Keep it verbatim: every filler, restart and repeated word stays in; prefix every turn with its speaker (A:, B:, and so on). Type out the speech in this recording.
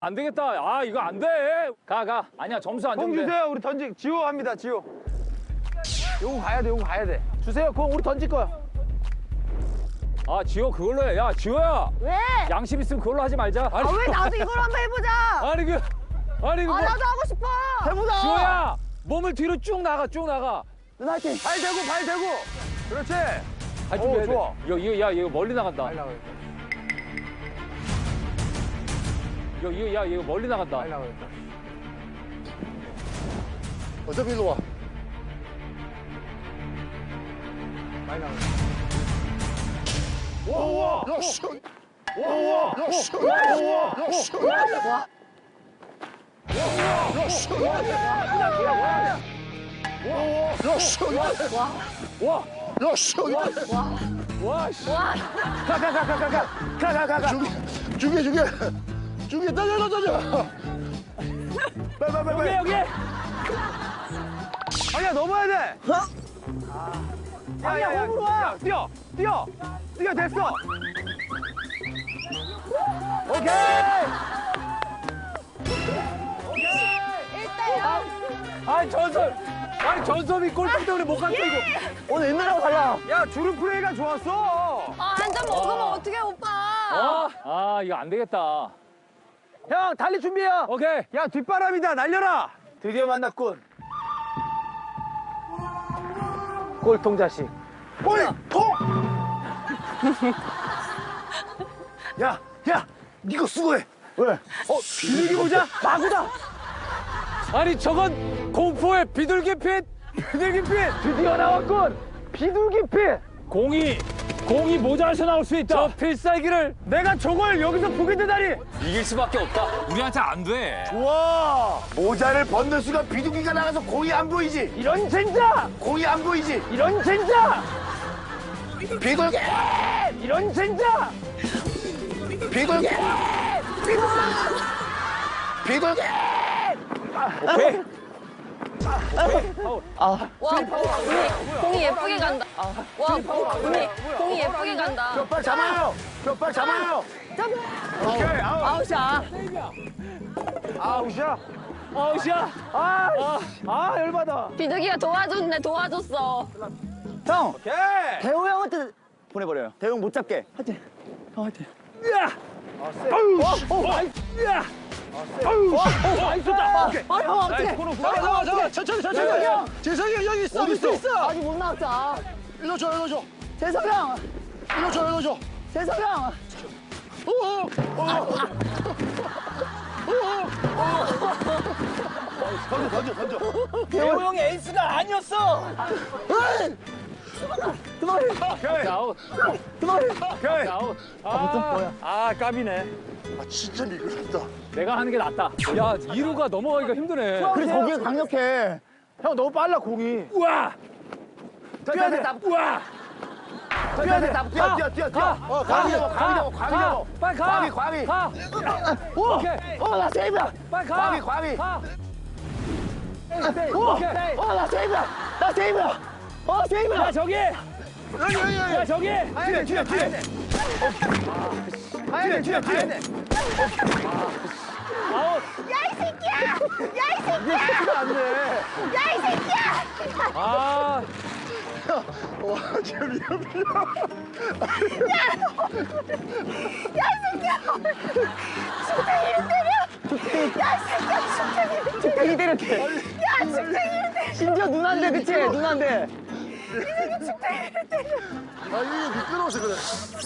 A: 안 되겠다. 아, 이거 안 돼. 가, 가. 아니야, 점수 안
B: 공
A: 주면 돼.
B: 주세요. 우리 던지. 지호 합니다. 지호. 요거 가야 돼. 요거 가야 돼. 주세요. 공 우리 던질 거야.
A: 아, 지호 그걸로 해. 야, 지호야.
C: 왜?
A: 양심 있으면 그걸로 하지 말자. 아니,
C: 아 왜 나도 이걸 한번 해보자.
A: 아니, 그, 아니, 그,
C: 아
A: 뭐,
C: 나도 하고 싶어.
B: 해보자.
A: 지호야. 몸을 뒤로 쭉 나가, 쭉 나가.
B: 누나 화이팅. 발 대고 발 대고. 그렇지.
A: 발
B: 오,
A: 준비해야 돼.
B: 좋아.
A: 이거, 이거, 야, 이거 멀리 나간다.
B: 발 나가.
A: 이거, 이거, 야, 이거 멀리 나간다.
B: 발 나가겠다.
D: 어차피 일로 와.
B: 발 나가.
A: 우와,
D: 야, 씨.
A: 우와,
D: 야, 씨. 야, 씨.
C: 와.
D: 야, 씨. 야, 씨.
A: 와,
D: 야, 씨.
A: 와, 씨.
C: 와.
B: 가 가 가 가 가 가 가 가 가가.
D: 죽여, 죽여, 죽여. 죽여, 달려, 달려.
B: 빨리 빨리
A: 여기,
B: 빨리.
A: 여기.
B: 아니야 넘어야 돼. 아니야 몸으로 와. 뛰어 뛰어 뛰어 됐어. 오케이.
C: 일 대 영.
A: 아니, 전섭. 아니, 전섭이 골프 때문에 못 갔어, 이거.
B: 오늘 옛날하고 달라. 야 주름 플레이가 좋았어.
C: 아 한 잔 먹으면 어떡해 오빠.
A: 아, 아, 이거 안 되겠다.
B: 형 달리 준비해.
A: 오케이.
B: 야 뒷바람이다 날려라. 드디어 만났군. 꼴통 자식.
D: 꼴통! 야, 야, 니가 수고해.
B: 왜? 어 비둘기 보자. 마구다.
A: 아니, 저건 공포의 비둘기 핏.
B: 비둘기 핀 드디어 나왔군. 비둘기 핀.
A: 공이, 공이 모자라서 나올 수 있다. 저 필살기를.
B: 내가 저걸 여기서 보게 되다니.
A: 이길 수밖에 없다. 우리한테 안 돼.
D: 와, 모자를 벗는 순간 비둘기가 나가서 공이 안 보이지?
B: 이런 젠장.
D: 공이 안 보이지?
B: 이런 젠장.
D: 비둘기!
B: 이런 젠장.
D: 비둘기! 비둘기!
A: 오케이.
C: 와 공이 공이 예쁘게 간다. 와 공이 공이 예쁘게 간다.
D: 뼈빨 잡아요! 뼈빨 잡아요!
B: 오케이 아웃.
C: 아웃이야.
B: 아웃이야.
A: 아웃이야.
B: 아, 아 열받아.
C: 비둘기가 도와줬네 도와줬어.
E: 형!
B: 오케이.
E: 대호 형한테 보내버려요. 대호 형 못 잡게. 하여튼. 형 하여튼.
A: 야.
B: 아, 세.
A: 어, 어, 아이, 야.
B: 아유,
A: 와, 어, 많이 쏟다. 오케이.
C: 아 형 어떡해.
B: 잡아, 잡아, 잡아. 천천히, 천천히.
E: 형!
D: 재석이 형 여기 있어!
E: 어디
D: 어디
E: 있어?
C: 아직 못 나왔다.
D: 일로 줘, 일로 줘!
E: 재석 형!
D: 일로 줘, 일로 줘!
E: 재석 형!
D: 던져, 던져, 던져!
E: 대호 형이 에이스가 아니었어!
B: 오케이.
A: 자, 아웃.
B: 오케이.
A: 자, 아웃. 아,
B: 아, 까비네.
D: 아, 진짜 미끄럽다.
A: 내가 하는 게 낫다. 야, 이루가 넘어가기가 힘드네.
E: 그래, 거기에 강력해.
B: 형 너무 빨라 공이.
A: 우와.
B: 뛰어야 돼.
A: 우와.
B: 뛰어야 돼.
D: 뛰어, 뛰어, 뛰어, 뛰어! 어, 광이 잡아, 광이 잡아, 광이 잡아!
A: 빨리 가.
D: 광이, 광이!
A: 가. 오케이.
E: 어, 나 세이브야!
A: 빨리 가.
D: 광이, 광이!
A: 가.
E: 어,
A: 오케이.
E: 어, 나 세이브야! 나 세이브야! 어, 세이브야!
A: 야, 저기.
D: 여기, 여기, 여기!
A: 야, 저기.
B: 뒤에, 뒤에, 뒤에. 가야 돼, 뒤에, 뒤에.
A: 아웃.
C: 야이 새끼야. 야이 새끼야.
B: 이게 쉽지가 않네.
C: 야이 새끼야.
A: 아.
D: 와, 진짜 미안해.
C: 야이 새끼야. 숙쟁이를 때려. 야이 새끼야. 숙쟁이를 때려.
E: 축땡이 때렸대.
C: 야 숙쟁이를 때려.
E: 심지어 누나인데, 그치? 누나인데.
C: 숙쟁이를 때려.
D: 아, 이게 미끄러워서 그래.